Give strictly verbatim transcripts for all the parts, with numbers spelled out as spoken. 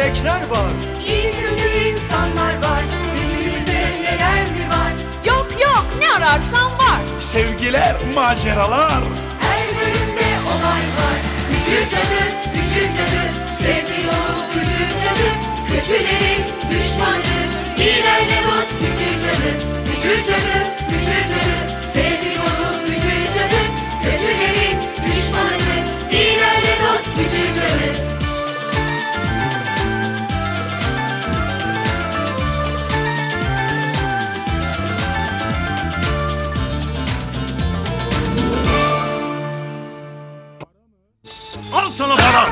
melekler var. İyi kötü insanlar var. Yüzümüzde neler mi var? Yok yok, ne ararsan var. Sevgiler, maceralar. Her bölümde olay var. Bücür cadı, bücür cadı. Sevgi yolu bücür cadı. Kötülerin düşmanı. İyilerle dost bücür cadı. Bücür cadı, bücür cadı. Sevgi yolu bücür cadı. Kötülerin düşmanı. İyilerle dost bücür cadı. Al sana para.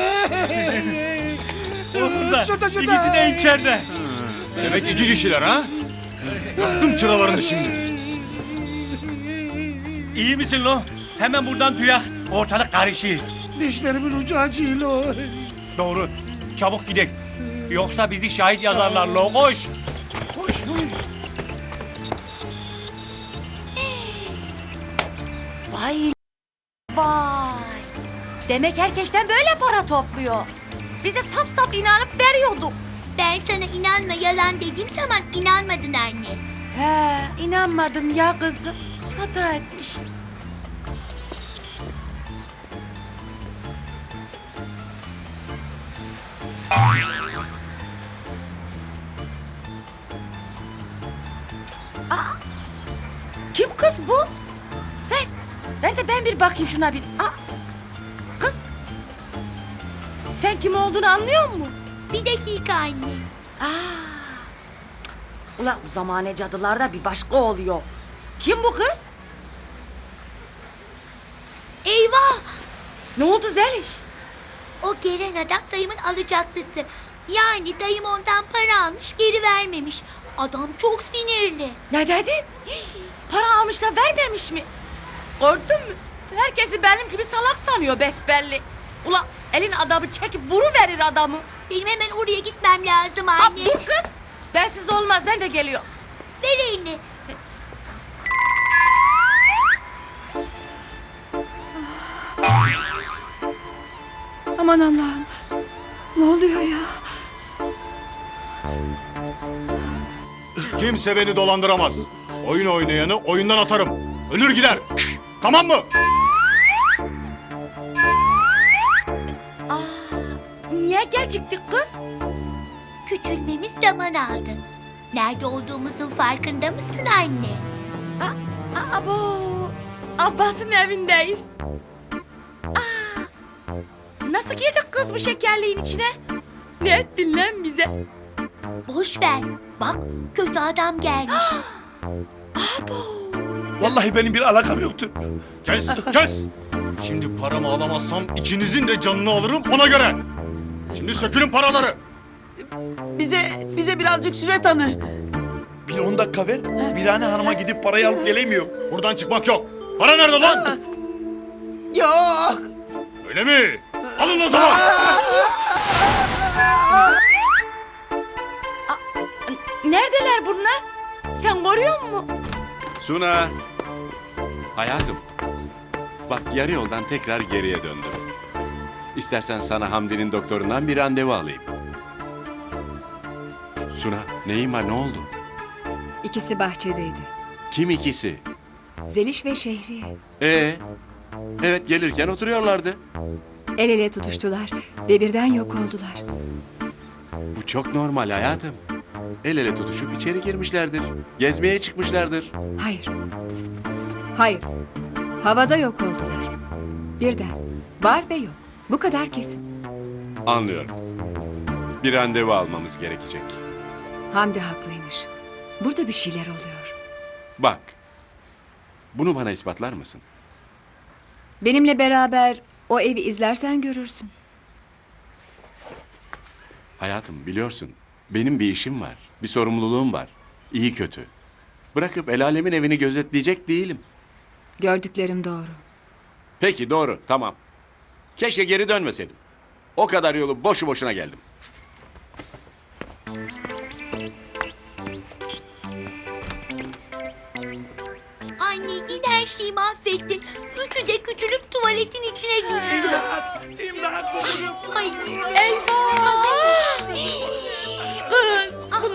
Şurada şurada. İkisi de içeride. Demek iki kişiler ha? Yaktım çıralarını şimdi. İyi misin lo? Hemen buradan tüyak. Ortalık karışır. Dişlerimin ucu acıyor. Doğru. Çabuk gidelim. Yoksa bizi şahit yazarlar lo. Koş. Koş. Vay vay. Demek herkesten böyle para topluyor. Biz de saf saf inanıp veriyorduk. Ben sana inanma yalan dediğim zaman inanmadın anne. He, inanmadım ya kızım. Hata etmişim. Aa, kim kız bu? Ver, ver de ben bir bakayım şuna bir. Aa, kız, sen kim olduğunu anlıyor musun? Bir dakika anne. Aa, ulan bu zamane cadılarda bir başka oluyor. Kim bu kız? Eyvah! Ne oldu Zeliş? O gelen adam dayımın alacaklısı. Yani dayım ondan para almış geri vermemiş. Adam çok sinirli. Ne dedin? Para almış da vermemiş mi? Gördün mü? Herkesi benim gibi salak sanıyor besbelli. Ulan elin adamı çekip vuruverir adamı. Benim hemen oraya gitmem lazım Ha, anne. dur kız. Bensiz olmaz, ben de geliyorum. Ver elini. Aman Allah'ım. Ne oluyor ya? Kimse beni dolandıramaz. Oyun oynayanı oyundan atarım. Ölür gider. Tamam mı? Aa, niye geciktik kız? Küçülmemiz zaman aldı. Nerede olduğumuzun farkında mısın anne? Aa, abo, Abbas'ın evindeyiz. Aa, nasıl girdik kız bu şekerliğin içine? Ne ettin lan bize? Boş ver. Bak kötü adam gelmiş. Abo. Vallahi benim bir alakam yoktu. Kes, kes. Şimdi paramı alamazsam ikinizin de canını alırım ona göre. Şimdi sökülün paraları. Bize bize birazcık süre tanı. Bir on dakika ver. Birane Hanım'a gidip parayı alıp gelemiyorum. Buradan çıkmak yok. Para nerede lan? Yok. Öyle mi? Alın o zaman. Neredeler bunlar? Sen görüyor musun? Suna. Hayatım. Bak yarı yoldan tekrar geriye döndüm. İstersen sana Hamdi'nin doktorundan bir randevu alayım. Suna, neyin var, ne oldu? İkisi bahçedeydi. Kim ikisi? Zeliş ve Şehriye. Ee, evet gelirken oturuyorlardı. El ele tutuştular ve birden yok oldular. Bu çok normal hayatım. El ele tutuşup içeri girmişlerdir. Gezmeye çıkmışlardır. Hayır. Hayır. Havada yok oldular. Birden. Var ve yok. Bu kadar kesin. Anlıyorum. Bir randevu almamız gerekecek. Hamdi haklıymış. Burada bir şeyler oluyor. Bak. Bunu bana ispatlar mısın? Benimle beraber o evi izlersen görürsün. Hayatım biliyorsun. Benim bir işim var. Bir sorumluluğum var. İyi kötü. Bırakıp el alemin evini gözetleyecek değilim. Gördüklerim doğru. Peki doğru, tamam. Keşke geri dönmeseydim. O kadar yolu boşu boşuna geldim. Anne yine her şeyi mahvettin. Üçü de küçülüp tuvaletin içine düştü. İmdat, İmdat, bulurum. Ay Eyvah!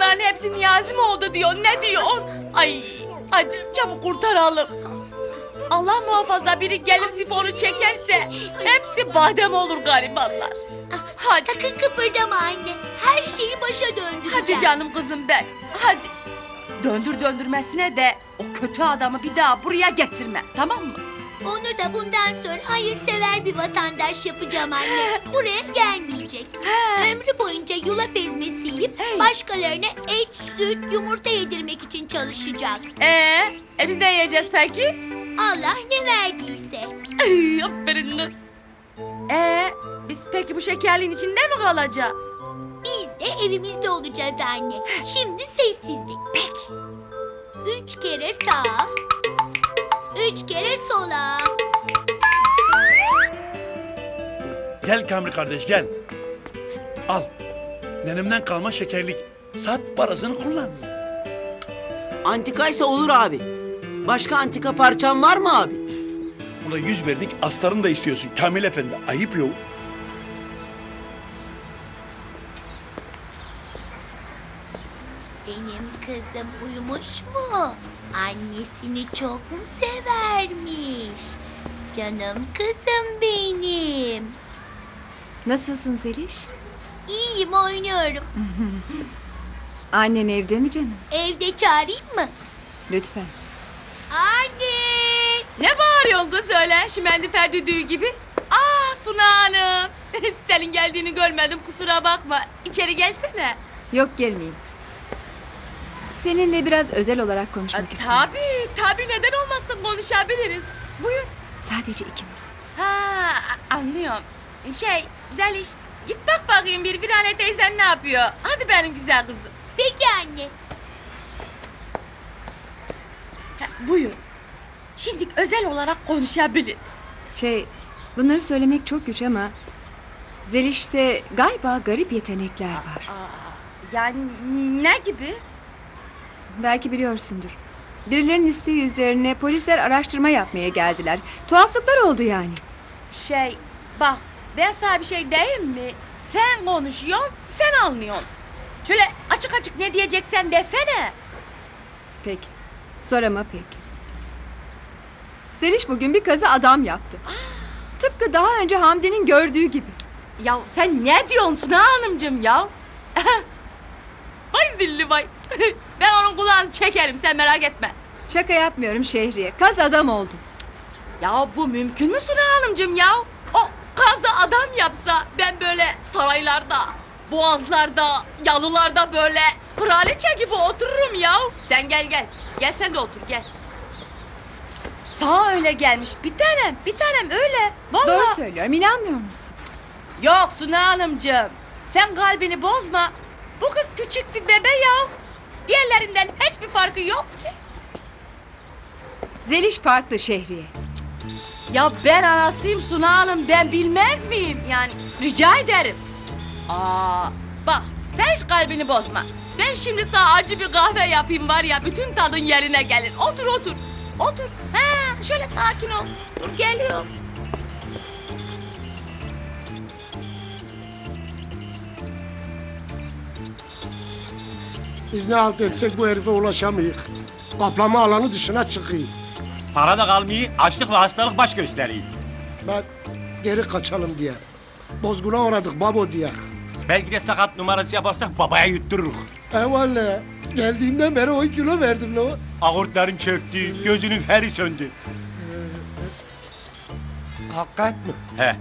bunların hepsi Niyazi mi oldu diyor? Ne diyorsun? Ay hadi çabuk kurtaralım. Allah muhafaza biri gelir sifonu çekerse hepsi badem olur garibanlar. Hadi. Sakın kıpırdama anne. Her şeyi başa döndüreceğim. Hadi canım kızım ben. Hadi. Döndür döndürmesine de o kötü adamı bir daha buraya getirme. Tamam mı? Onu da bundan sonra hayırsever bir vatandaş yapacağım anne. Buraya gelmeyecek. Ömrü boyunca yulaf ezmesi yiyip başkalarına et, süt, yumurta yedirmek için çalışacak. Ee, e biz ne yiyeceğiz peki? Allah ne verdiyse. Ay, aferin kız. Ee, biz peki bu şekerliğin içinde mi kalacağız? Biz de evimizde olacağız anne. Şimdi sessizlik. Peki. Üç kere sağa. Üç kere sola. Gel Kamri kardeş gel. Al. Nenemden kalma şekerlik. Sat parasını kullan. Antikaysa olur abi. Başka antika parçan var mı abi? Buna yüz verdik astarını da istiyorsun Kamil Efendi. Ayıp yok. Benim kızım uyumuş mu? Annesini çok mu severmiş? Canım kızım benim. Nasılsın Zeliş? İyiyim, oynuyorum. Annen evde mi canım? Evde çağırayım mı? Lütfen. Anne! Ne bağırıyorsun kız öyle şimendifer düdüğü gibi? Aa Suna Hanım. Senin geldiğini görmedim kusura bakma. İçeri gelsene. Yok gelmeyeyim. Seninle biraz özel olarak konuşmak istiyorum. Tabii tabii neden olmasın konuşabiliriz. Buyur. Sadece ikimiz. Ha anlıyorum. Şey Zeliş git bak bakayım bir Virane teyzen ne yapıyor. Hadi benim güzel kızım. Peki anne. Ha, buyur. Şimdi özel olarak konuşabiliriz. Şey, bunları söylemek çok güç ama... Zeliş'te galiba garip yetenekler var. Yani ne gibi? Belki biliyorsundur. Birilerinin isteği üzerine polisler araştırma yapmaya geldiler. Tuhaflıklar oldu yani. Şey bak ben sana bir şey diyeyim mi? Sen konuşuyorsun sen anlıyorsun. Şöyle açık açık ne diyeceksen desene. Peki. Sorama peki. Zeliş bugün bir kazı adam yaptı. Tıpkı daha önce Hamdi'nin gördüğü gibi. Ya sen ne diyorsun Suna Hanımcığım ya? Vay zilli vay. Ben onun kulağını çekerim sen merak etme. Şaka yapmıyorum Şehriye. Kaz adam oldu. Ya bu mümkün mü Suna Hanımcığım ya? O kazı adam yapsa ben böyle saraylarda, boğazlarda, yalılarda böyle kraliçe gibi otururum ya. Sen gel gel. Gel sen de otur gel. Sağ öyle gelmiş bir tanem bir tanem öyle. Vallahi. Doğru söylüyorum. İnanmıyor musun? Yok Suna Hanımcığım. Sen kalbini bozma. Bu kız küçük bir bebe ya. Diğerlerinden hiçbir farkı yok ki. Zeliş farklı Şehriye. Ya ben anasıyım Suna Hanım ben bilmez miyim? Yani rica ederim. Aa, bak sen hiç kalbini bozma. Ben şimdi sana acı bir kahve yapayım var ya bütün tadın yerine gelir. Otur otur. Otur. Ha, şöyle sakin ol. Dur geliyorum. Biz ne halt etsek bu herife ulaşamayık. Kaplama alanı dışına çıkıyor. Para da kalmıyor, açlık ve hastalık baş gösteriyor. Ben geri kaçalım diye. Bozguna uğradık babo diye. Belki de sakat numarası yaparsak babaya yuttururuz. Eyvallah. Geldiğimden beri on kilo verdim lo. Ağırtların çöktü, gözünün feri söndü. Hakikat mi? He.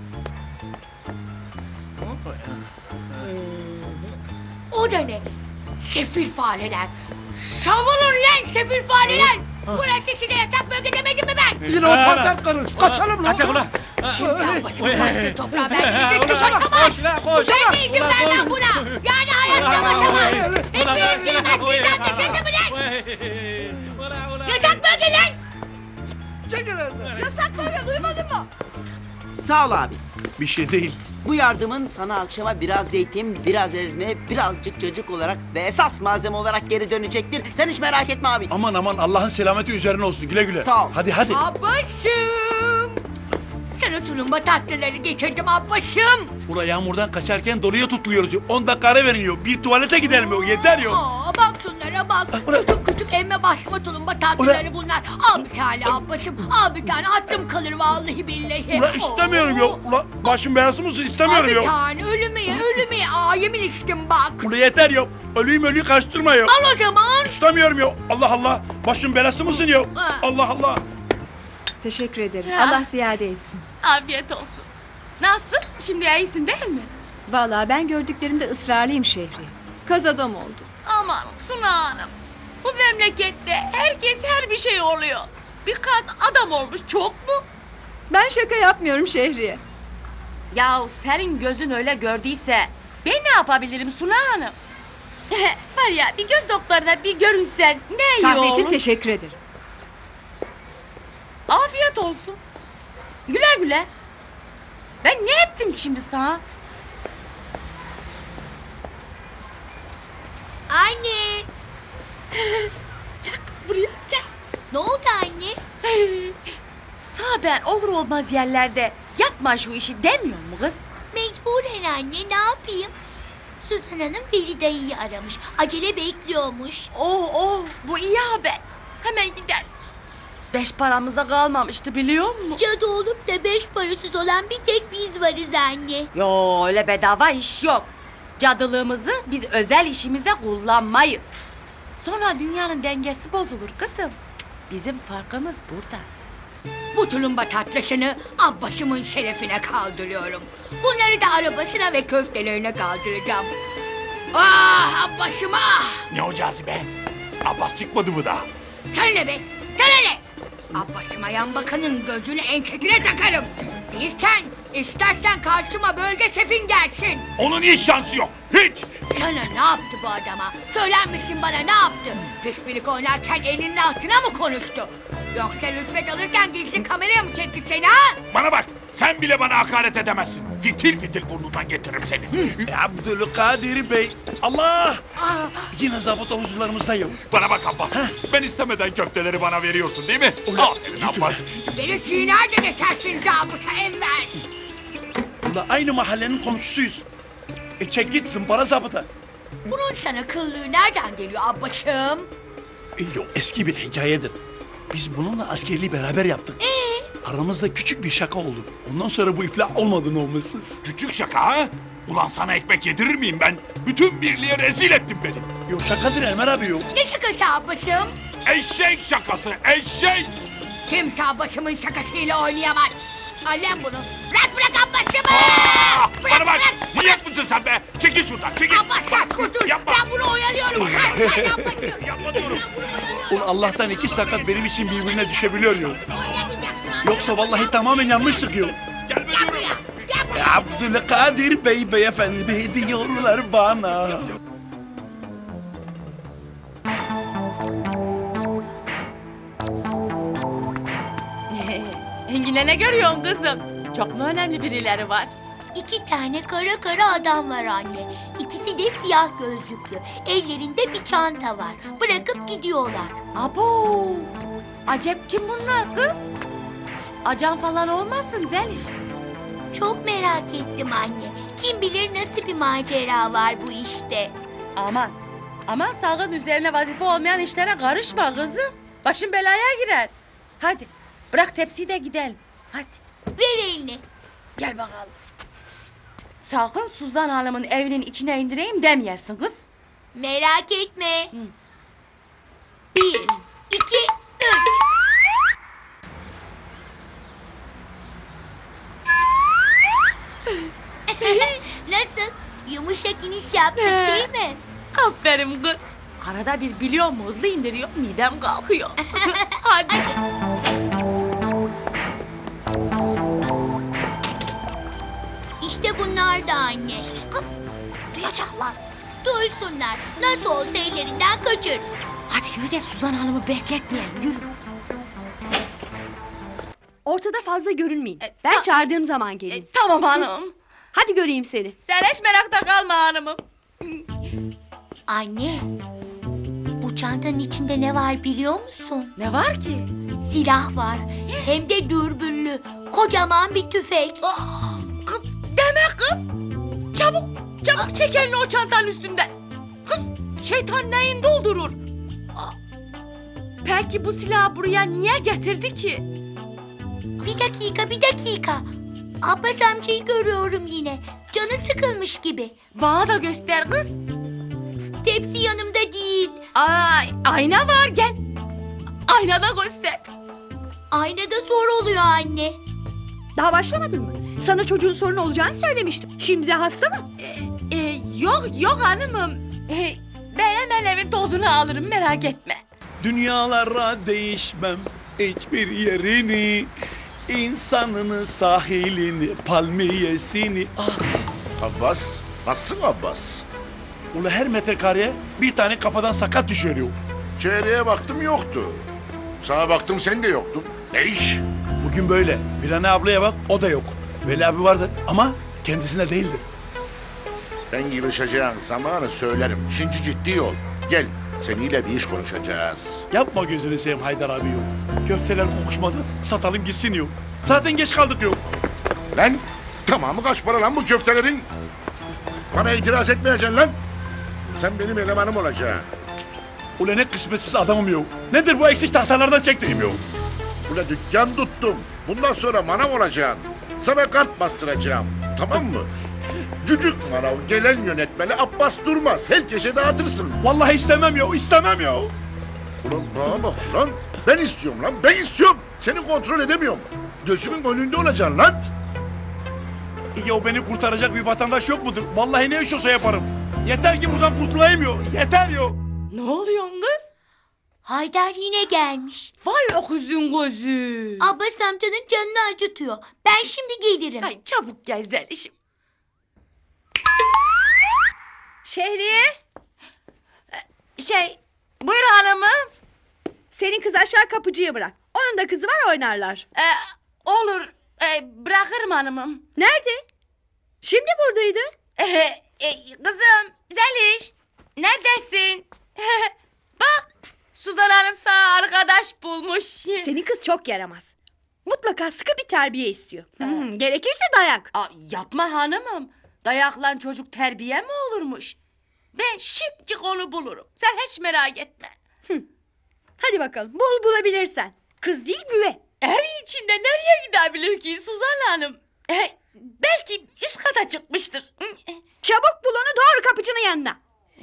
O da ne? Sefil fareler. Savunun lan sefil fareler. Burası size yatak bölge demedim mi ben? Yine o panter karı. Kaçalım lo. Kaçak ulan. Kimden batırıp battı toprağa ben gidip basamam. Ben de izin vermem buna. Yani hayatta basamam. Hepiniz girmez sizden dışında mı lan? Yatak bölge lan. Yasak böyle duymadın mı? Sağ ol abi. Bir şey değil. Bu yardımın sana akşama biraz zeytin, biraz ezme, birazcık cacık olarak ve esas malzeme olarak geri dönecektir. Sen hiç merak etme abi. Aman aman Allah'ın selameti üzerine olsun güle güle. Sağ ol. Hadi hadi. Abaşım. Sana Sana tulumba tatlıları getirdim Abbas'ım. Ula yağmurdan kaçarken doluya tutuluyoruz. on dakika ara veriliyor. Bir tuvalete gidelim yok. Yeter yok. Aa, bak şunlara bak. Küçük küçük emme basma tulumba tatlıları bunlar. Al bir tane Abbas'ım. Al bir tane hatırım kalır vallahi billahi. Ula istemiyorum Oo. yok. Ula başım belası mısın? Al İstemiyorum bir yok. tane ölümü ye ölümü ye. Aa yemin içtim bak. Ula yeter yok. Ölüyüm ölüyü kaçtırma yok. Al o zaman. İstemiyorum yok. Allah Allah. Başım belası mısın yok? Ha. Allah Allah. Teşekkür ederim. Ya. Allah ziyade etsin. Afiyet olsun. Nasıl? Şimdi iyisin değil mi? Vallahi ben gördüklerimde ısrarlıyım Şehriye. Kaz adam oldu. Aman Suna Hanım. Bu memlekette herkes her bir şey oluyor. Bir kaz adam olmuş çok mu? Ben şaka yapmıyorum Şehriye. Yahu senin gözün öyle gördüyse ben ne yapabilirim Suna Hanım? Var ya bir göz doktoruna bir görünsen ne iyi Kahve olur. için teşekkür ederim. Afiyet olsun. Güle güle. Ben ne ettim ki şimdi sana? Anne. Gel kız buraya gel. Ne oldu anne? Sağ ben olur olmaz yerlerde yapma şu işi demiyor mu kız? Mecburen anne ne yapayım? Suzan Hanım Veli dayıyı aramış. Acele bekliyormuş. Oh oh bu iyi haber. Hemen gidelim. Beş paramız da kalmamıştı biliyor musun? Cadı olup da beş parasız olan bir tek biz varız anne. Yo öyle bedava iş yok. Cadılığımızı biz özel işimize kullanmayız. Sonra dünyanın dengesi bozulur kızım. Bizim farkımız burada. Bu tulumba tatlısını Abbas'ımın şerefine kaldırıyorum. Bunları da arabasına ve köftelerine kaldıracağım. Ah Abbas'ım ah! Ne o cazibe? Abbas çıkmadı mı daha? Sana ne be? Sana ne? Abbas'ıma yan bakanın gözünü enketine takarım. Değilsen istersen karşıma bölge şefin gelsin. Onun hiç şansı yok. Hiç. Sana ne yaptı bu adama? Söyler misin bana ne yaptı? Pişpirik oynarken elinin altına mı konuştu? Yoksa rüşvet alırken gizli kameraya mı çekti seni ha? Bana bak. Sen bile bana hakaret edemezsin. Fitil fitil burnundan getiririm seni. Abdülkadir Bey. Allah! Ah, Yine zabıta huzurlarımızda yok. Bana bak Abbas. Ben istemeden köfteleri bana veriyorsun değil mi? Aferin Abbas. beni çiğner de geçersin zabıta Enver. Ula aynı mahallenin komşusuyuz. E çek gitsin para zabıta. Bunun sana kıllığı nereden geliyor Abbas'ım? E, yok eski bir hikayedir. Biz bununla askerliği beraber yaptık. Ee? Aramızda küçük bir şaka oldu. Ondan sonra bu iflah olmadı olmazsız. Küçük şaka ha? Ulan sana ekmek yedirir miyim ben? Bütün birliğe rezil ettin beni. Yok şakadır Enver abi yok. Ne şakası Abbas'ım? Eşek şakası, eşek! Kimse Abbas'ımın şakasıyla oynayamaz. Alem bunu. Bırak bırak Abbas'ımı! Aa, Bırak bana bak, bırak! manyak mısın sen be? Çekil şuradan, çekil! Abbas sen kurtul. Yapma! Ben bunu oyalıyorum. Kaç sen Abbas'ım. Yapma diyorum! Ulan Allah'tan iki sakat benim için birbirine düşebiliyor yok. Oynamayacaksın. Yoksa vallahi tamamen yanmıştık yok. Gelme Gel diyorum! buraya. Gel buraya. Abdülkadir Bey beyefendi diyorlar bana. Engine ne görüyorsun kızım? Çok mu önemli birileri var? İki tane kara kara adam var anne. İkisi de siyah gözlüklü. Ellerinde bir çanta var. Bırakıp gidiyorlar. Abo! Acep kim bunlar kız? Acan falan olmasın Zeliş. Çok merak ettim anne. Kim bilir nasıl bir macera var bu işte. Aman, aman sakın üzerine vazife olmayan işlere karışma kızım. Başın belaya girer. Hadi bırak tepsiyi de gidelim. Hadi Ver elini. gel bakalım. Sakın Suzan Hanım'ın evinin içine indireyim demeyesin kız. Merak etme. Bir, iki, üç. Nasıl? Yumuşak iniş yaptık değil mi? Aferin kız. Arada bir biliyor mu hızlı indiriyor midem kalkıyor. Hadi. İşte bunlar da anne. Sus kız. Duyacaklar. Duysunlar. Nasıl olsa ellerinden kaçırırız. Hadi yürü de Suzan Hanım'ı bekletmeyelim yürü. Ortada fazla görünmeyin. E, Ben ta- çağırdığım zaman gelin. E, tamam hanım. Hadi göreyim seni. Sen hiç merakta kalma hanımım. Anne, bu çantanın içinde ne var biliyor musun? Ne var ki? Silah var. Hem de dürbünlü. Kocaman bir tüfek. Aa, kız deme kız. Çabuk, çabuk çek elini o çantanın üstünden. Kız, şeytan neyin doldurur? Aa, peki bu silahı buraya niye getirdi ki? Bir dakika, bir dakika. Abbas amcayı görüyorum yine. Canı sıkılmış gibi. Bana da göster kız. Tepsi yanımda değil. Ay, ayna var gel. Aynada göster. Aynada zor oluyor anne. Daha başlamadın mı? Sana çocuğun sorun olacağını söylemiştim. Şimdi de hasta mı? Ee, e, yok yok hanımım. Ee, ben hemen evin tozunu alırım merak etme. Dünyalara değişmem hiçbir yerini, insanını, sahilini, palmiyesini. Ah. Abbas, nasılsın Abbas? Ula her metrekareye bir tane kafadan sakat düşüyor. Çeyreğe baktım yoktu. Sana baktım sen de yoktun. Ne iş? Bugün böyle. Birane ablaya bak, o da yok. Veli abi vardır ama kendisine değildir. Ben yılışacağın zamanı söylerim. Şimdi ciddi ol. Gel, seninle bir iş konuşacağız. Yapma gözünü seveyim Haydar abi yok. Köfteler kokuşmadı, satalım gitsin yok. Zaten geç kaldık yok. Lan, tamamı kaç para lan bu köftelerin? Bana itiraz etmeyeceksin lan. Sen benim elemanım olacaksın. Ula ne kısmetsiz adamım yok. Nedir bu eksik tahtalardan çektiğim yok. Ula dükkan tuttum. Bundan sonra manav olacaksın. Sana kart bastıracağım. Tamam mı? Cücük manav gelen yönetmeni Abbas Durmaz. Herkese dağıtırsın. Vallahi istemem yok, istemem yok. Ulan bana bak lan. Ben istiyorum lan, ben istiyorum. Seni kontrol edemiyorum. Gözümün önünde olacaksın lan. Ya beni kurtaracak bir vatandaş yok mudur? Vallahi ne iş olsa yaparım. Yeter ki buradan kurtulayım yok. Yeter yok. Ne oluyor kız? Haydar yine gelmiş. Vay öküzün gözü. Abbas amcanın canını acıtıyor. Ben şimdi gelirim. Ay çabuk gel Zelişim. Şehriye, Şey, buyur hanımım. senin kız aşağı kapıcıya bırak. Onun da kızı var, oynarlar. Ee, olur, ee, bırakırım hanımım. Nerede? Şimdi buradaydı. Ee, e, kızım, Zeliş, neredesin? Bak, Suzan Hanım sana arkadaş bulmuş. Senin kız çok yaramaz. Mutlaka sıkı bir terbiye istiyor. Hmm, gerekirse dayak. Aa, yapma hanımım. Dayaklan çocuk terbiye mi olurmuş? Ben şimdicik onu bulurum. Sen hiç merak etme. Hadi bakalım, bul bulabilirsen. Kız değil, güve. Evin içinde nereye gidebilir ki Suzan Hanım? Ee, belki üst kata çıkmıştır. Çabuk bul onu, doğru kapıcının yanına.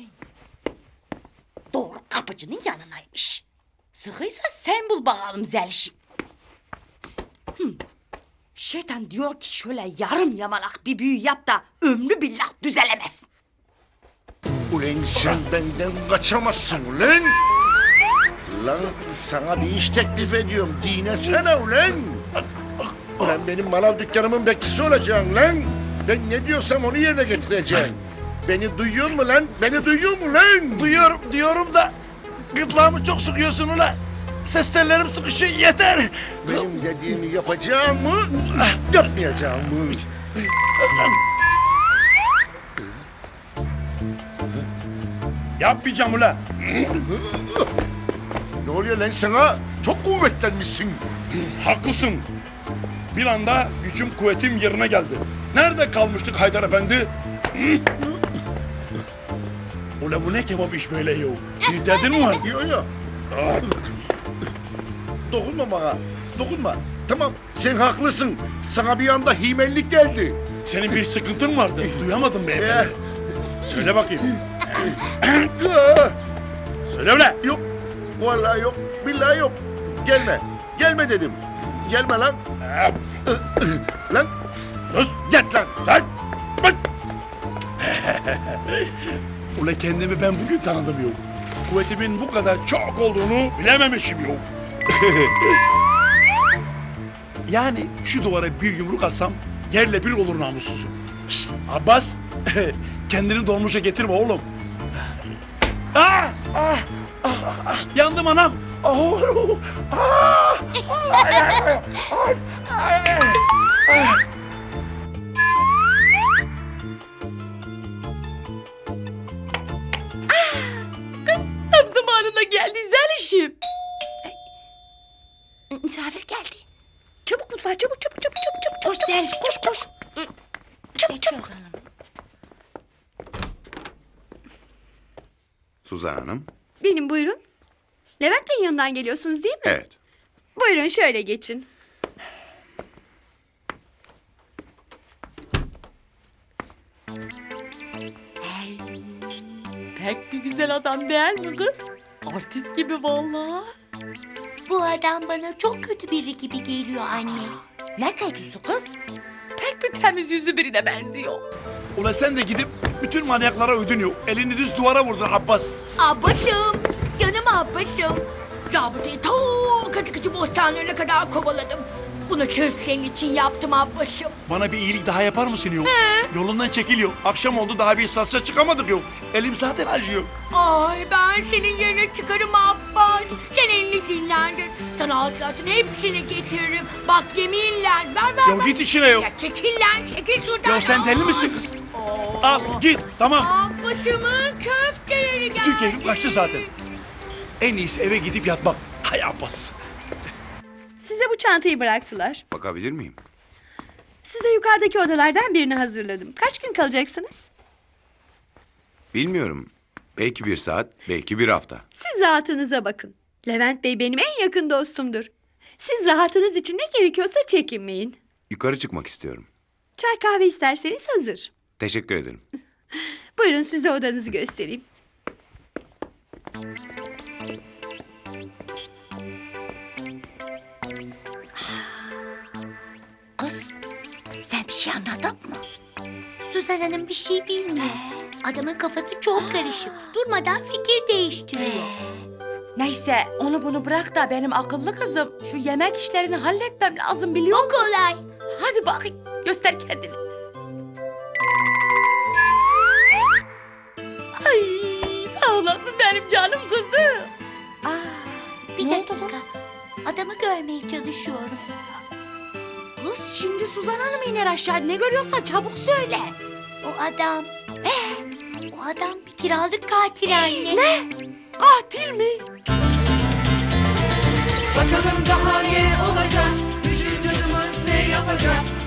Doğru kapıcının yanınaymış. Sıkıysa sen bul bakalım Zelişim. Hmm. Şeytan diyor ki şöyle yarım yamalak bir büyü yap da ömrü billah düzelemez. Ulan sen benden kaçamazsın ulan. Lan sana bir iş teklif ediyorum. Dinesene ulan. Ulan benim manav dükkanımın bekçisi olacaksın lan. Ben ne diyorsam onu yerine getireceğim. Beni duyuyor mu lan? Beni duyuyor mu lan? Duyuyorum, diyorum da gırtlağımı çok sıkıyorsun ula. Ses tellerim sıkışıyor, yeter. Benim dediğimi yapacağım mı? Yapmayacağım mı? Yapmayacağım ula. Ne oluyor lan sana? Çok kuvvetlenmişsin. Haklısın. Bir anda gücüm kuvvetim yerine geldi. Nerede kalmıştık Haydar Efendi? Ula bu ne kebap iş böyle yo? Bir derdin mi var? Yok yok. Dokunma bana. Dokunma. Tamam sen haklısın. Sana bir anda himellik geldi. Senin bir sıkıntın vardı. Duyamadım beyefendi. Söyle bakayım. Söyle ulan. Yok. Vallahi yok. Billahi yok. Gelme. Gelme dedim. Gelme lan. Lan. Sus. Git lan. Lan. Bak. Ula kendimi ben bugün tanıdım yok. Kuvvetimin bu kadar çok olduğunu bilememişim yok. Yani şu duvara bir yumruk atsam yerle bir olur namussuzum. Şşt, Abbas, kendini dolmuşa getirme oğlum. Ah, ah, ah, ah, yandım anam. Oh, ah, ay, ay, ay, ay, ay. Tam zamanında geldi Zelişim. Misafir geldi. Çabuk mutfağa, çabuk çabuk çabuk çabuk. koş koş. Çabuk çabuk. Suzan Hanım. Benim buyurun. Levent Bey'in yanından geliyorsunuz değil mi? Evet. Buyurun şöyle geçin. Hey, pek bir güzel adam değil mi kız? Artist gibi vallahi. Bu adam bana çok kötü biri gibi geliyor anne. Ne kötüsü kız? Pek bir temiz yüzlü birine benziyor. Ulan sen de gidip bütün manyaklara ödünüyor. Elini düz duvara vurdun Abbas. Abbasım, canım Abbasım. Zabıtayı ta Katıkıcı Bostanları'na kadar kovaladım. Bunu sırf senin için yaptım Abbasım. Bana bir iyilik daha yapar mısın yok? Yolundan çekiliyor. Akşam oldu daha bir satışa çıkamadık yok. Elim zaten acıyor. Ay ben senin yerine çıkarım Abbas. Sen elini dinlendir. Sana hasılatın hepsini getiririm. Bak yeminle ver ver Ya ver. git işine yok. Ya çekil lan çekil şuradan. Ya sen deli misin kız? Al git tamam. Abbasımın köfteleri geldi. Bütün keyfim kaçtı zaten. En iyisi eve gidip yatmak. Hay Abbas. Size bu çantayı bıraktılar. Bakabilir miyim? Size yukarıdaki odalardan birini hazırladım. Kaç gün kalacaksınız? Bilmiyorum. Belki bir saat, belki bir hafta. Siz rahatınıza bakın. Levent Bey benim en yakın dostumdur. Siz rahatınız için ne gerekiyorsa çekinmeyin. Yukarı çıkmak istiyorum. Çay kahve isterseniz hazır. Teşekkür ederim. Buyurun size odanızı göstereyim. Kız sen bir şey anladın mı? Suzan Hanım bir şey bilmiyor. Adamın kafası çok karışık. Durmadan fikir değiştiriyor. Neyse onu bunu bırak da benim akıllı kızım şu yemek işlerini halletmem lazım biliyor O musun? kolay. Hadi bakayım göster kendini. Ay sağ olasın benim canım kızım. Aa, Bir ne oldu dakika. kız? Adamı görmeye çalışıyorum. Kız şimdi Suzan Hanım iner aşağı ne görüyorsan çabuk söyle. O adam... Eh, o adam bir kiralık katil anne. Ne? Katil mi? Bakalım daha ne olacak? Üçüncü adımız ne yapacak?